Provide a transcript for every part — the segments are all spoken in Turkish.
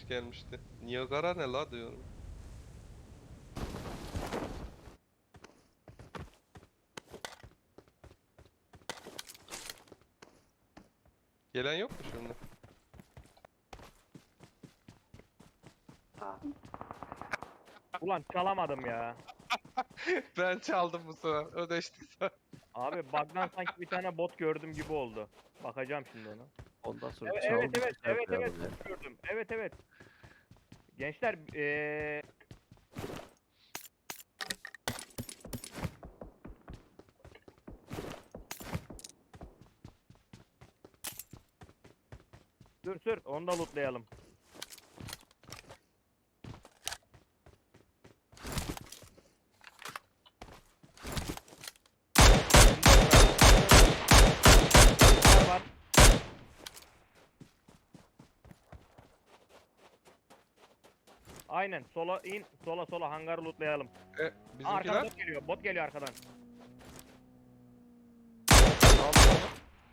gelmişti. Niagara ne la diyorum. Gelen yok mu şimdi? Ulan çalamadım ya. Ben çaldım bu sefer. Ödeştik sen. Abi bug'dan sanki bir tane bot gördüm gibi oldu. Bakacağım şimdi ona. Ondan sonra Evet çaldı evet şey evet evet yapmayalım ya. bot gördüm. Evet evet. Gençler sür onu da lootlayalım. Var. Aynen sola in sola hangarı lootlayalım. Arkadan Bizimkiler bot geliyor. Bot geliyor arkadan. aldı onu.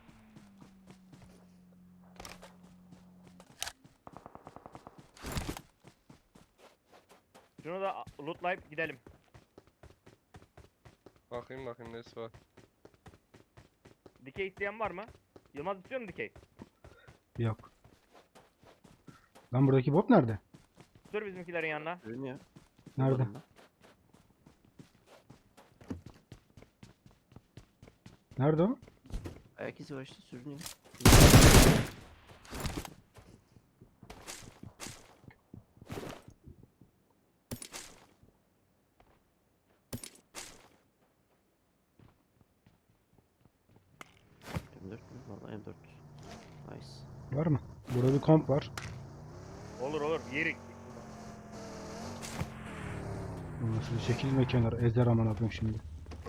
Şunu da lootlayıp gidelim. Bakayım nesi var. Dikey isteyen var mı? Yılmaz istiyor mu dikey? Yok. Lan buradaki bot nerede? Sür bizimkilerin yanına. Görünüyor. Nerede? Bulmadım ben. Nerede o? Ayak izi var işte sürünüyor. M4 mü? Valla M4. Nice. Var mı? Burada bir komp var. Olur yerik. Nasıl çekilme kenara. Ezer aman abim şimdi.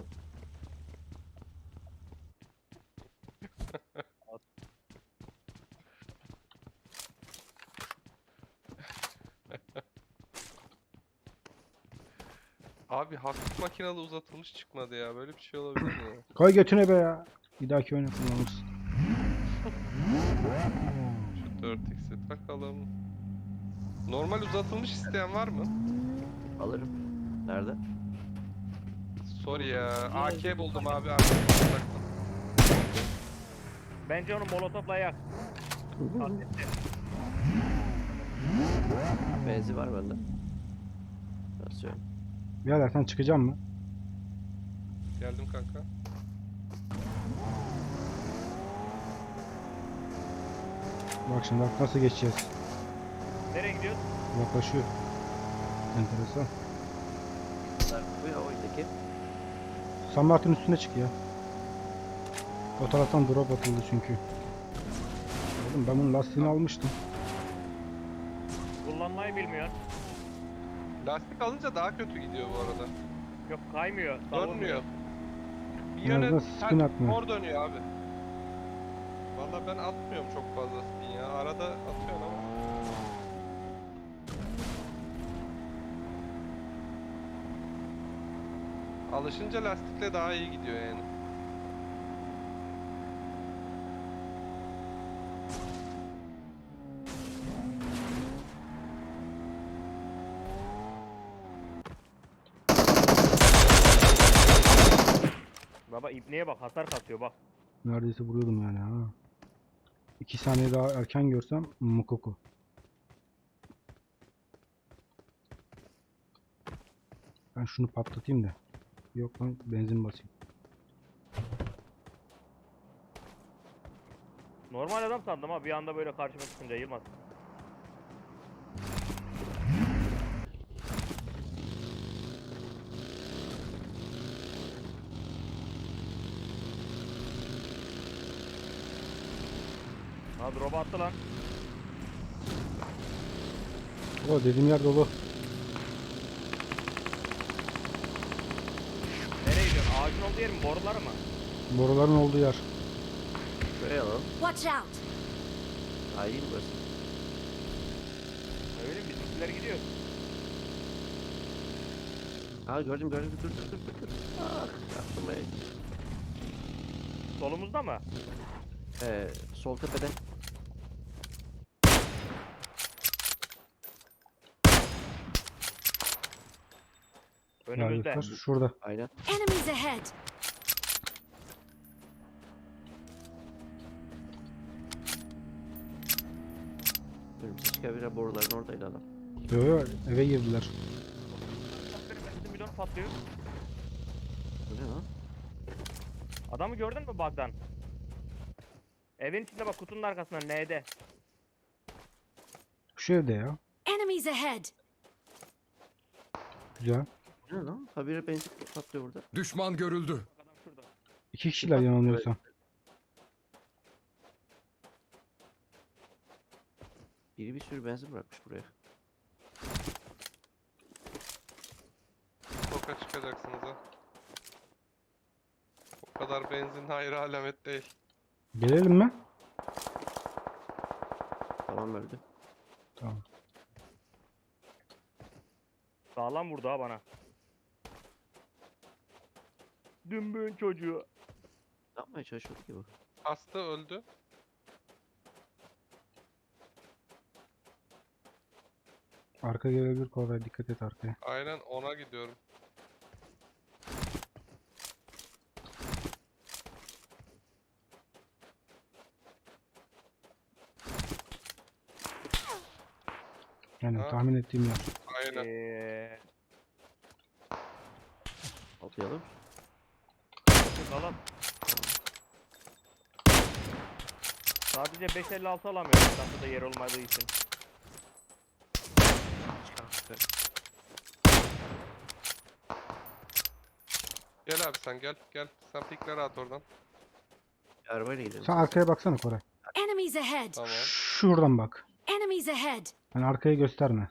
Abi hafif makinalı uzatılmış çıkmadı ya. Böyle bir şey olabilir mi ya? Koy götüne be ya. Bir dahaki oyunu kullanırız. Şu 4x'i takalım. Normal uzatılmış isteyen var mı? Alırım. Nerede? Sorry ya. AK buldum abi. Arkasına taktım. Bence onu molotofla yak. Bezi var bende. Basıyorum. Birader sen çıkacak mı? Geldim kanka. Bak şimdi bak nasıl geçeceğiz. Nereye gidiyoruz? Yaklaşıyor. Enteresan. Bu ya oydaki. San Martin üstüne çık ya. O taraftan drop atıldı çünkü. Oğlum ben bunun lastiğini almıştım. Kullanmayı bilmiyor. Lastik alınca daha kötü gidiyor bu arada. Yok kaymıyor. Dönmüyor. Bir Biraz yöne da spin atmıyor. mor dönüyor abi. Vallahi ben atmıyorum çok fazla spin ya. Arada atıyorum ama. Alışınca lastikle daha iyi gidiyor yani. Baba ibneye bak hasar katıyor bak. Neredeyse vuruyordum yani ha. 2 saniye daha erken görsem Mukoko. Ben şunu patlatayım da. Yok lan benzin basayım. Normal adam sandım ha bir anda böyle karşıma çıkınca Yılmaz. Ha drop attı lan. O dediğim yer dolu. Nereye gidiyorsun? Ağacın olduğu yer mi? Boruları mı? Boruların olduğu yer. Şuraya alalım. Watch out! Daha iyi mi burası? Ne bileyim bizimkiler gidiyor. Aa gördüm. Dur. Ah yaptım ey. Solumuzda mı? Sol tepede. Önümüzde. yukarı şurada. Aynen. Enemies ahead! Önümüze çıkabilir. Boruların oradaydı adam. Yo yo, eve girdiler. Benim benzin bidonu patlıyor. Bu ne lan? Adamı gördün mü bug'dan? Evin içinde bak, kutunun arkasında N'de. Şu evde ya. Enemies ahead! Güzel. Bu ne lan? Habire benzin patlıyor burada. Düşman görüldü. Adam şurada. 2 kişiler yanılmıyorsam. Biri bir sürü benzin bırakmış buraya. Sokağa çıkacaksınız ha. O kadar benzin hayır alamet değil. Gelelim mi? Tamam öldü. Tamam. Sağlam vurdu ha bana. Dümbün çocuğu. Ne yapmaya çalışıyordu ki bu? Hasta öldü. Arka gelebilir Koray, dikkat et arkaya. Aynen ona gidiyorum. Yani Ha. tahmin ettiğim yer. Aynen. Atlayalım. Alalım. Sadece 5.56 alamıyorum çantada yer olmadığı için. Çıkar. Gel abi sen gel. Gel. Sen pikleri at oradan. Arabayla gidelim. Sen arkaya baksana Koray. Enemies ahead! Tamam. Şuradan bak. Enemies ahead! Hani arkayı gösterme.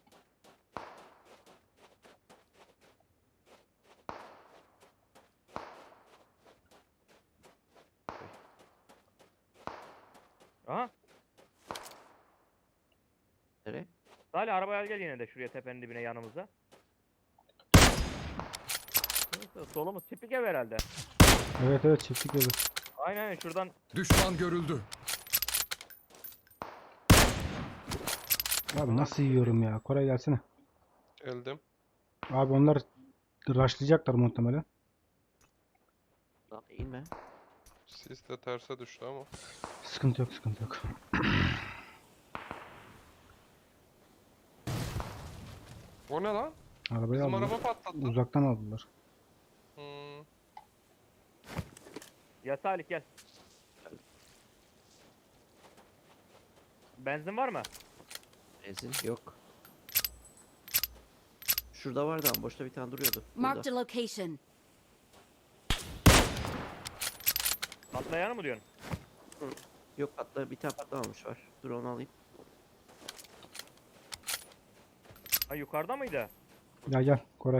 Aha. Nereye? Salih arabaya gel yine de şuraya tepenin dibine yanımıza. Neyse, solumuz tipik ev herhalde. Evet evet, çiftlik evi. Aynen şuradan Düşman görüldü. Abi nasıl yiyorum ya? Koray gelsene. Geldim. Abi onlar rushlayacaklar muhtemelen. Lan inme. Sis de terse düştü ama. Sıkıntı yok, sıkıntı yok. O ne lan? Arabayı Bizim aldılar. araba patladı. Uzaktan aldılar. Hmm. ya Salih gel. Benzin var mı? Benzin yok. Şurada vardı ama boşta bir tane duruyordu. Marked Burada. a location. Patlayanı mı diyorsun? Yok bir tane patlamamış var. Dur onu alayım. Ha yukarıda mıydı? Gel gel Koray.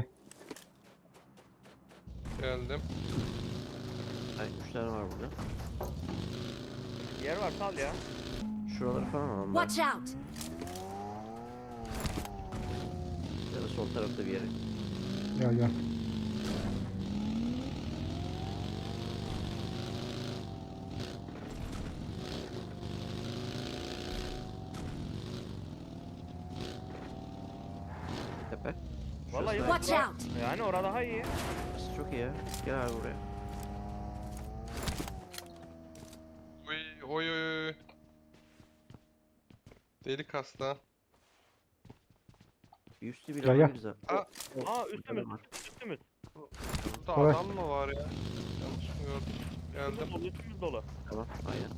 Geldim. Ay 3 tane var burada. Yer var sal ya. Şuraları falan alalım. ben. Watch out! Ya da sol tarafta bir yere. Gel gel. Tepe. Vallahi Şurası, Watch var. out! Yani orada daha iyi. şurası çok iyi ya. Gel abi buraya. Oy oy oy. Delik hasta. Bir üstü bir Gel, gel. alabiliriz abi. Aa, Aa üstümüz. Var. Üstümüz. Burada Kolay. adam mı var ya? Yanlış mı gördüm? Üstümüz Geldim. dolu, üstümüz dolu. Tamam aynen.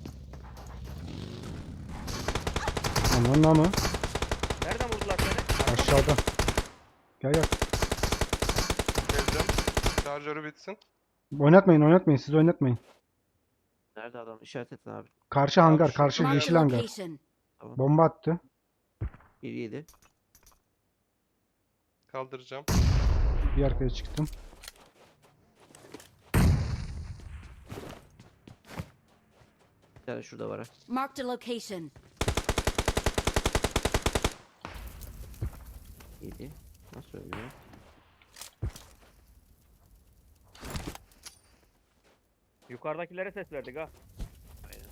Aman mı? Nereden vurdular seni? Aşağıda. Gel gel. Geldim. Şarjörü bitsin. Oynatmayın, oynatmayın. Siz oynatmayın. Nerede adam? İşaret et abi. Karşı hangar, şu- karşı Marked Marked yeşil a hangar. location. Bomba attı. 1-7. Kaldıracağım. Bir arkaya çıktım. Bir tane şurada var ha. Marked a location. 7. Nasıl ölüyor? Yukarıdakilere ses verdik ha. Aynen.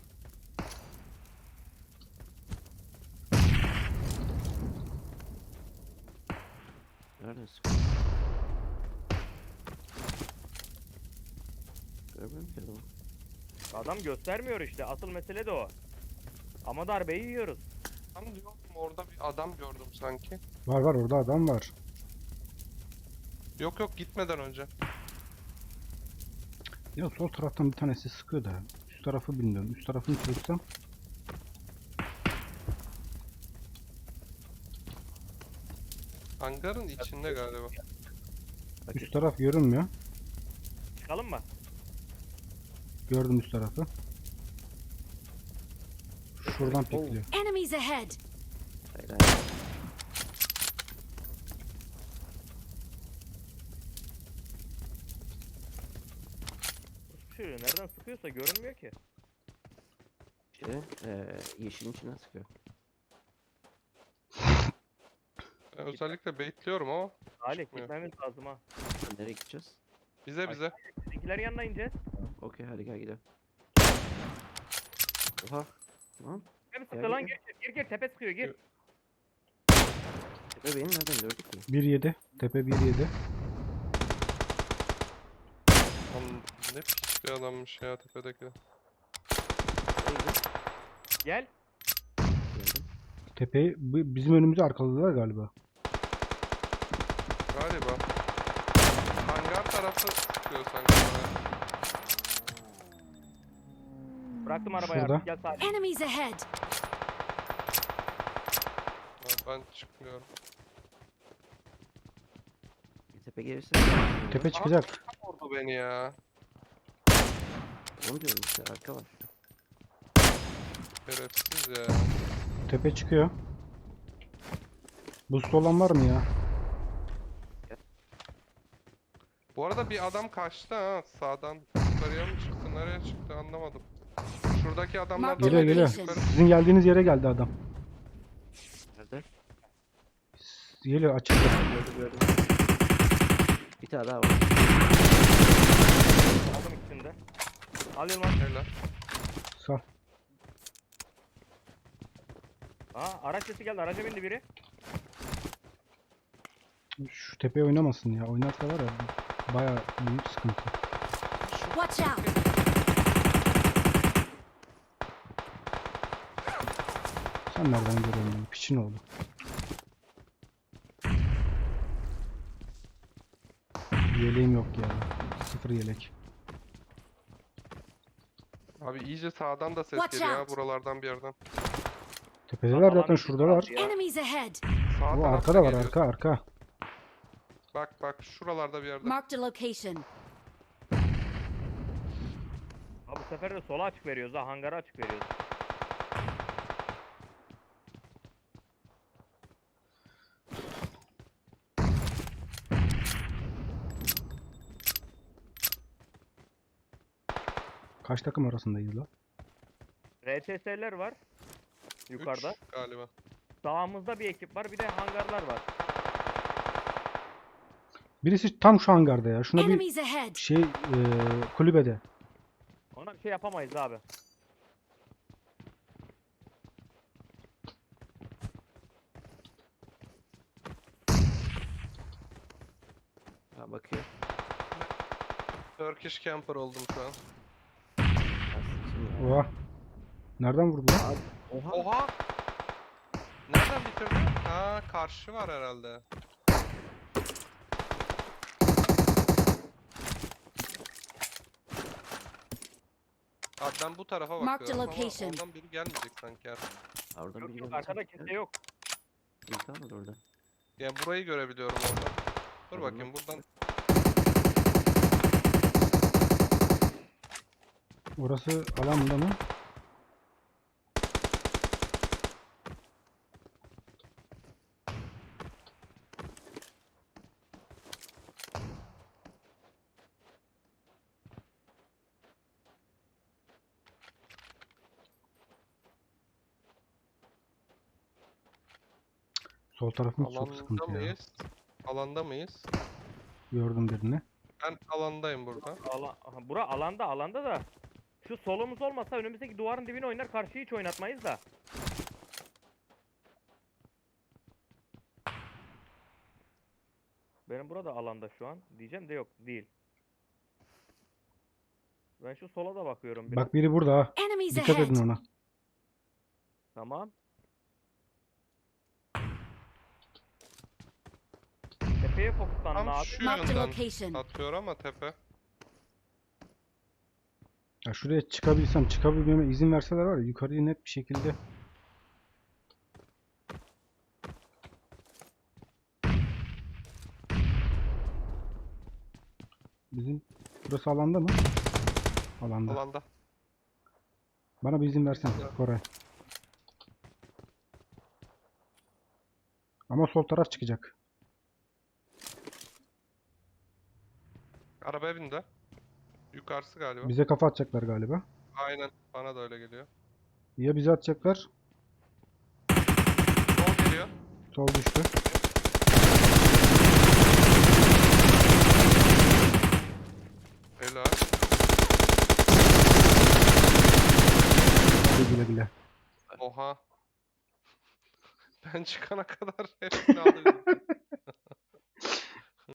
Nerede sıkıyor? Görmüyorum ki adamı. Adam göstermiyor işte. Asıl mesele de o. Ama darbeyi yiyoruz. Tam diyorum orada bir adam gördüm sanki. Var var, orada adam var. Yok yok, gitmeden önce. Ya sol taraftan bir tanesi sıkıyor da. Üst tarafı bilmiyorum. Üst tarafını çözsem. Hangarın içinde galiba. Üst taraf görünmüyor. Çıkalım mı? Gördüm üst tarafı. Şuradan pikliyor. Enemies ahead! Hayır hayır. Şu nereden sıkıyorsa görünmüyor ki. Yeşilin içine sıkıyor. Ben özellikle baitliyorum ama Salih çıkmıyor. gitmemiz lazım ha. Nereye gideceğiz? Bize. Bizimkilerin yanına ineceğiz. Tamam. Okey hadi gel gidelim. Oha. Tamam. Hem sıktı Gel, lan gel. gir tepe sıkıyor gir. Tepe beni nereden gördük ki? 1-7. Tepe 1-7. Lan ne pis bir adammış ya tepedeki. Neydi? Gel. Geldim. Tepeyi bizim önümüzü arkaladılar galiba. Galiba. Hangar tarafı sıkıyor sanki bana. Bıraktım arabayı Şurada. artık gel Salih. Enemies ahead! Ha, ben çıkmıyorum. Bir tepe gelirse. Tepe çıkacak. Vurdu beni ya. Onu diyorum işte arka var. Şerefsiz ya. Tepe çıkıyor. Boost olan var mı ya? Bu arada bir adam kaçtı ha sağdan. Yukarıya mı çıktı, nereye çıktı anlamadım. Şuradaki adamlar Mark da Geliyor geliyor. yukarı. Sizin geldiğiniz yere geldi adam. Nerede? Geliyor, açıldı. Gördüm. Bir tane daha var. Aldım ikisini de. Al Yılmaz. Helal. Sağ. Aa araç sesi geldi. Araca bindi biri. Şu tepeye oynamasın ya. Oynarsa var ya, bayağı büyük sıkıntı. Watch out! Sen nereden görüyorsun beni? Piçin oldu. Yeleğim yok ya. Sıfır yelek. Abi iyice sağdan da ses Watch geliyor ha out. buralardan bir yerden. Tepedeler zaten, Alan şuradalar. bizi ya. Enemies ahead! Sağ Bu tarafta arkada var, geliyor. arka. Bak şuralarda bir yerde. Marked a location. Ha bu sefer de sola açık veriyoruz ha. Hangara açık veriyoruz. Kaç takım arasındayız la? RTS'ler var. Yukarıda. 3 galiba. Sağımızda bir ekip var. Bir de hangarlar var. Birisi tam şu hangarda ya. Şuna bir Enemies ahead! kulübede. Ona bir şey yapamayız abi. Ha bakıyor. Turkish camper oldum şu an. Şimdi. Oha. Nereden vurdu lan? Oha. Oha! Nereden bitirdi? Ha karşı var herhalde. Abi ben bu tarafa Marked bakıyorum ama location. oradan biri gelmeyecek sanki artık. Oradan Yok biri yok geldi arkada sanki. kimse yok. İyi kalmadı orada. Yani burayı görebiliyorum oradan. Dur Tamam. bakayım buradan. Orası alanda mı? Sol tarafımız çok Alanda sıkıntı ya. mıyız? Alanda mıyız? Gördüm birini. Ben alandayım burada. Aha, bura alanda da. Şu solumuz olmasa önümüzdeki duvarın dibine oynar. Karşıyı hiç oynatmayız da. Benim burada alanda şu an. Diyeceğim de yok. Değil. Ben şu sola da bakıyorum biraz. Bak biri burada ha. Enemies Dikkat edin ahead. ona. Tamam. Tepeye fokuslanın Tam abi. şu Marked a yönden location. atıyor ama tepe. Ya şuraya çıkabilsem, çıkabilmeme izin verseler var ya, yukarıya net bir şekilde. Bizim burası alanda mı? Alanda. Alanda. Bana bir izin versen Koray. Ama sol taraf çıkacak. Arabaya bindi. Yukarısı galiba. Bize kafa atacaklar galiba. Aynen. Bana da öyle geliyor. Ya bize atacaklar. Sol geliyor. Sol düştü. Helal. Hadi güle güle. Oha. Ben çıkana kadar hepsini aldım.